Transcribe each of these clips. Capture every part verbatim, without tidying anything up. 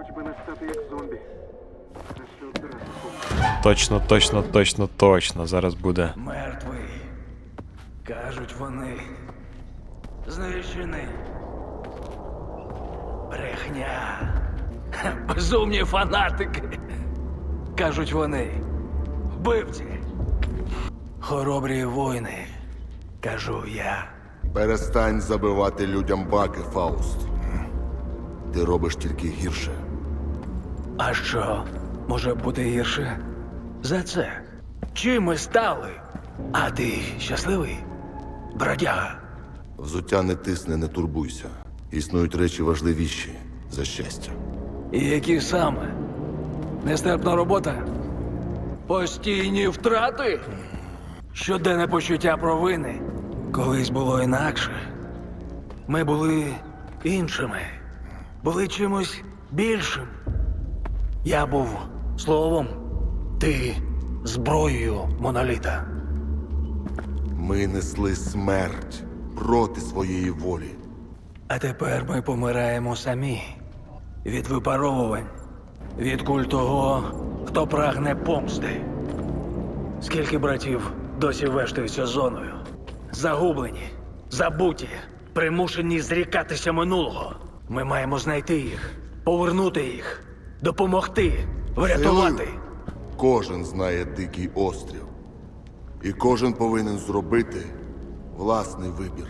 Хоч би не стати як зомбі. Краще одразу померти. Точно, точно, точно, точно. Зараз буде. Мертвий. Кажуть вони. Знищений. Брехня. Ха, безумні фанатики. Кажуть вони. Вбивці. Хоробрі воїни. Кажу я. Перестань забивати людям баки, Фауст. Ти робиш тільки гірше. А що може бути гірше за це? Чим ми стали? А ти щасливий, бродяга? Взуття не тисне, не турбуйся. Існують речі важливіші за щастя. І які саме? Нестерпна робота? Постійні втрати? Щоденне почуття провини? Колись було інакше. Ми були іншими. Були чимось більшим. Я був словом, ти зброєю моноліта. Ми несли смерть проти своєї волі. А тепер ми помираємо самі. Від випаровувань. Від куль того, хто прагне помсти. Скільки братів досі вештаються зоною? Загублені, забуті, примушені зрікатися минулого. Ми маємо знайти їх, повернути їх, допомогти, врятувати. Силою кожен знає дикий острів. І кожен повинен зробити власний вибір.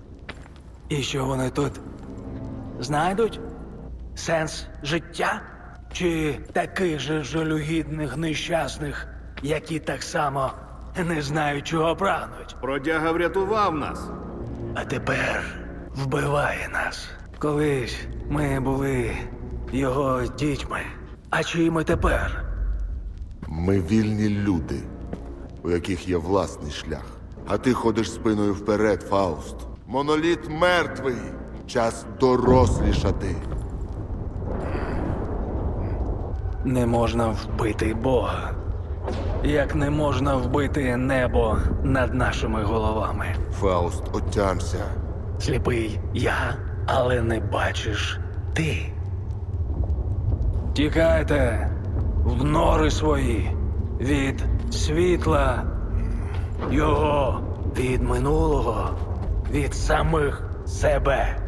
І що вони тут знайдуть? Сенс життя? Чи таких же жалюгідних нещасних, які так само не знають, чого прагнуть? Бродяга врятував нас. А тепер вбиває нас. Колись ми були його дітьми. А чиї ми тепер? Ми вільні люди, у яких є власний шлях. А ти ходиш спиною вперед, Фауст. Моноліт мертвий. Час дорослішати. Не можна вбити Бога. Як не можна вбити небо над нашими головами. Фауст, отямся. Сліпий я, але не бачиш ти. Тікайте в нори свої від світла його, від минулого, від самих себе.